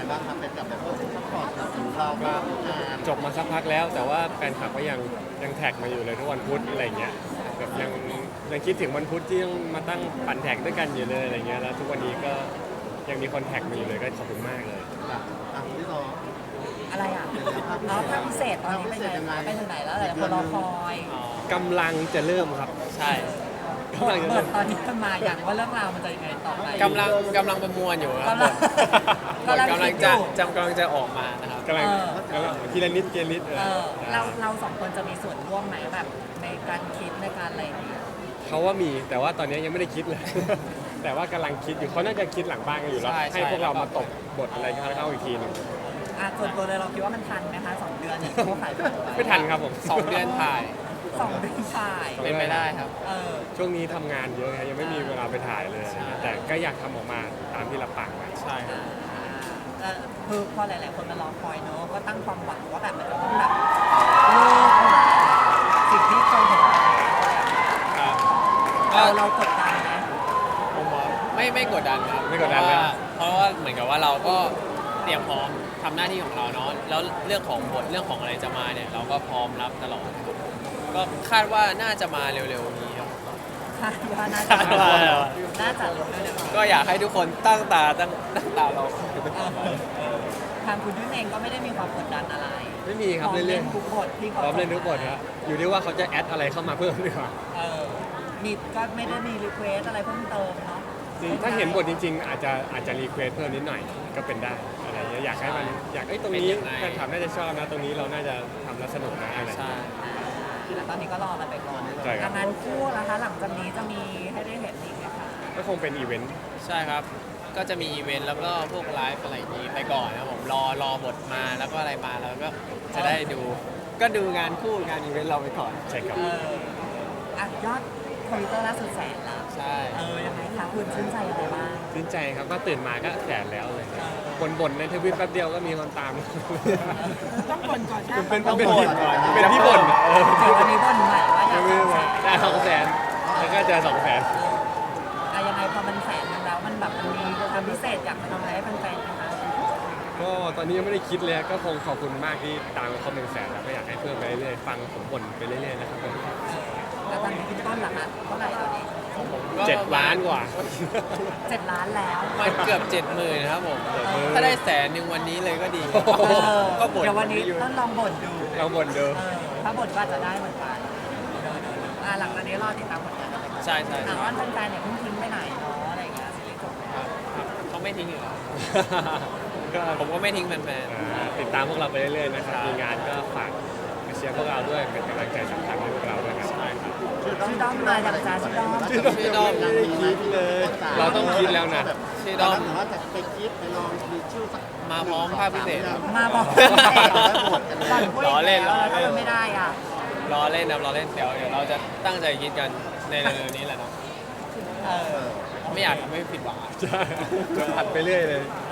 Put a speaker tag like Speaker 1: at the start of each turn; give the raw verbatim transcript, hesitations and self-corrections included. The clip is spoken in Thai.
Speaker 1: บ้างครับเป็นกับแบบว่าซัพพอร์ตถึงเราบ้างงาน
Speaker 2: จบมาสักพักแล้วแต่ว่าแฟนคลับก็ยังยังแท็กมาอยู่เลยทุกวันพุธอะไรเงี้ยแบบยังยังคิดถึงวันพุธที่ต้องมาตั้งปั่นแท็กด้วยกันอยู่เลยอะไรเงี้ยแล้วทุกวันนี้ก็ยังมีคนแท็กมาอยู่เลยก็ขอบคุณมากเลย
Speaker 1: อ่ะอ่ะที่เรา
Speaker 3: อะไรอ่ะเนาะภาพพิเศษตอนนี้เป็นไงคะไปถึงไหนแล้วหลายคนรอคอย
Speaker 2: กำลังจะเริ่มครับ
Speaker 4: ใช่
Speaker 2: กำลังจะ
Speaker 3: เปิ
Speaker 2: เริ่
Speaker 3: ด
Speaker 2: ม
Speaker 3: ตอนนี้มันมาอย่างว่าเรื่องราวมันจะยังไงต่อไป
Speaker 4: กำลังกำลังประมวลอยู่ครับ
Speaker 3: กำลัง
Speaker 4: บทกำลังจะจำกำลังจะออกมานะครับ
Speaker 2: กำลังกำลังทีละนิดทีละนิดเอ
Speaker 3: เอ
Speaker 2: อ
Speaker 3: อเราเราสองคนจะมีส่วนร่วมไหมแบบในการคิดในการอะไรอย่างเงี้ย
Speaker 2: เขาว่ามีแต่ว่าตอนนี้ยังไม่ได้คิดเลย แต่ว่ากำลังคิดอยู่เขาน่าจะคิดหลังบ้านกันอยู่แล้ว
Speaker 4: ใช่
Speaker 2: ให้พวกเรา
Speaker 4: ใช่
Speaker 2: มาตกบทอะไรเข้าอีกทีหนึง
Speaker 3: อ่ะส่วนตัวเลยเราคิดว่ามันทันไหมคะสองเดือนเนี่ยเขาขายของ
Speaker 2: ไม่ทันครับผม
Speaker 4: สองเดือนถ่าย
Speaker 3: สองเดือนถ่าย
Speaker 4: เป็นไปได้ครับ
Speaker 3: เออ
Speaker 2: ช่วงนี้ทำงานเยอะไงยังไม่มีเวลาไปถ่ายเลย
Speaker 4: ใช่
Speaker 2: แต่ก็อยากทำออกมาตามที่เราปังไว้
Speaker 4: ใช่ครั
Speaker 3: อ่า
Speaker 4: บ
Speaker 3: แล้วคือพอหลาย ๆ คนมารอคอยเนอะก็ตั้งความหวังว่าแบบมันจะต้องแบบเลิกมาสิ่งที่เคยเห็นมาอะไรอย่างเงี้ย
Speaker 4: ครับ
Speaker 3: เรา
Speaker 4: ก็
Speaker 3: เรากดดันไหม
Speaker 4: ผมว่าไม่ไม่กดดันครับ
Speaker 2: ไม่กดดัน
Speaker 4: เพ
Speaker 2: เลย
Speaker 4: ราะว่าเพราะว่าเหมือนกับว่าเราก็เตรียมพร้อมทำหน้าที่ของเราเนาะแล้วเรื่องของบทเรื่องของอะไรจะมาเนี่ยเราก็พร้อมรับตลอดครับก็คาดว่าน่าจะมาเร็วๆนี้ครับ
Speaker 3: คาดว่าน่าจะ
Speaker 4: คาดว่า
Speaker 3: น่าจะรู้เลยนะคะ
Speaker 4: ก็อยากให้ทุกคนตั้งตาตั้งตั้งตาเรา
Speaker 3: ทางคุณยุ่นเองก็ไม่ได้มีความกดดันอะไร
Speaker 2: ไม่มีครับ
Speaker 3: พร้อม
Speaker 2: เรื่
Speaker 3: เล่
Speaker 2: อย
Speaker 3: นทุกบทที่
Speaker 2: ๆ
Speaker 3: เขา
Speaker 2: พร้อมเล่นทุกบทครับอยู่ที่ว่าเขาจะแอดอะไรเข้ามาเพิ่มดีกว่า
Speaker 3: เออมีก็ไม่ได้มีรีเควสอะไรเพิ่มเติมเนาะ
Speaker 2: จริงถ้าเห็นบทจริง ๆ อาจจะอาจจะรีเควสเพิ่มนิดหน่อยก็เป็นได้อะไรเงี้ยอยากให้มันอยากไอ้ยตรงนี้แฟนคลับน่าจะชอบนะตรงนี้เราน่าจะทำแล้วสนุกนะอะไร
Speaker 4: ใช่
Speaker 3: อ่าแต่ตอนนี้ก็รอมันไปก่อน
Speaker 2: ใช่ครับ
Speaker 3: งานคู่นะคะหลังจากนี้จะมีให้ได้เห็นอีกไหมคะ
Speaker 2: ก็คงเป็นอีเวนต์
Speaker 4: ใช่ครับ ก็จะมีอีเวนต์แล้วก็พวกไลฟ์อะไรอย่างนี้ไปก่อนนะครับผมรอรอบทมาแล้วก็อะไรมาแล้วก็จะได้ดู ก็ดูงานคู่งานอีเวนต์เราไปก่อน
Speaker 2: ใช่ครับ
Speaker 3: เอออ่ะยอดทวิตเตอร์ล่าสุดแสนแล้ว
Speaker 4: ใช่
Speaker 3: เออยังไงคะคุณชื่นใจอะไรบ้าง
Speaker 2: ชื่นใจครับก็ตื่นมาก็แสนแล้วเลยบ่นๆในทวิตแป๊บเดียวก็มีคนตาม
Speaker 3: ต้องบ่นก่อนใช่
Speaker 2: เป็น
Speaker 3: ต้อง
Speaker 2: เป็น
Speaker 3: บ่
Speaker 2: ที่
Speaker 3: นก่อน
Speaker 2: เป็นที่บ่นเออ
Speaker 3: เดี๋ยววันนี้บ่นใหม่ว่าอยาก
Speaker 2: ไม่
Speaker 3: จะ
Speaker 2: ไม่
Speaker 3: แสน
Speaker 2: ได้สองแสนแล้วก็เจอสองแสน
Speaker 3: อะยังไงพอมันแสนหนึงแล้วมันแบบมันมีความพิเศษอยากมาทำอะไรให้แฟนๆไหมคะ
Speaker 2: ก็ตอนนี้ยังไม่ได้คิดเลยก็คงขอบคุณมากที่ตามเขาหนึ่งแสนแล้วก็อยากให้เพิ่มไปเรื่อยๆฟังผมบ่นไปเรื่อยๆนะครับผม
Speaker 3: แล้วตอนนี้คุณต้นล่ะคะเท่าไหร่ตอนนี้
Speaker 4: ของผมก็
Speaker 2: เจ็ดล้านกว่า
Speaker 3: เจ็ดล้านแล้ว
Speaker 4: มันเกือบเจ็ดหมื่นนะครับผม ถ้าได้แสนหนึ่งวันนี้เลยก็ดี
Speaker 3: เออ
Speaker 4: ก็บ่น
Speaker 3: เดี๋ยววันนี้
Speaker 4: อยู่
Speaker 3: ต้นลองบ่นดู
Speaker 2: เราบ่นเดิม
Speaker 3: เออถ้าบ่นก็อาจจะได้เหมือนกันเดี๋ยวๆอ่ะหลังจากนี้รอติดตามผลงานกันไปก่อน
Speaker 4: ใช่ใช่
Speaker 3: ถามว่าแฟนๆเนี่ยเพิ่งทิ้งไปไหนเนาะอะไรอย่างเงี้ยซีรีส์จบแล้ว
Speaker 4: เขาไม่ทิ้งอยู่แล้ว
Speaker 2: ก็
Speaker 4: ผมก็ไม่ทิ้งแฟน
Speaker 2: อ่าติดตามพวกเราไปเรื่อยๆนะครับมีงานก็ฝากมาเชียร์พวกเราด้วยเป็นกำลังใจสำคัญให้พวกเราด้วยครับ
Speaker 3: ชื่อด้อมมาจากจ้าชื่อด้อม
Speaker 2: ชื่อด้อม
Speaker 4: ชื่อด้อม
Speaker 2: ไม่ได้คิดเลย เราต้องคิดแล้วนะ
Speaker 4: ๆชื่อด้อม
Speaker 1: หรือว่าจะไปคิดไปลองมีชื่อสัก
Speaker 4: มาพร้อมภาพพิเศษครับ
Speaker 3: มาบอก
Speaker 1: ตอน
Speaker 3: พูด
Speaker 4: ล้อเล่น
Speaker 3: แล้ว
Speaker 4: ล้อเล่น
Speaker 3: ถ้าไม่ได้อ่ะ
Speaker 4: รอเล่นนะรอเล่นเดี๋ยวเดี๋ยวเราจะตั้งใจคิดกันในเร็วๆนี้แหละเนาะ
Speaker 3: เออ
Speaker 4: ไม่อยากทำให้ผิดหวังอะ
Speaker 2: ใช่จะผัดไปเรื่อยเลย
Speaker 3: อ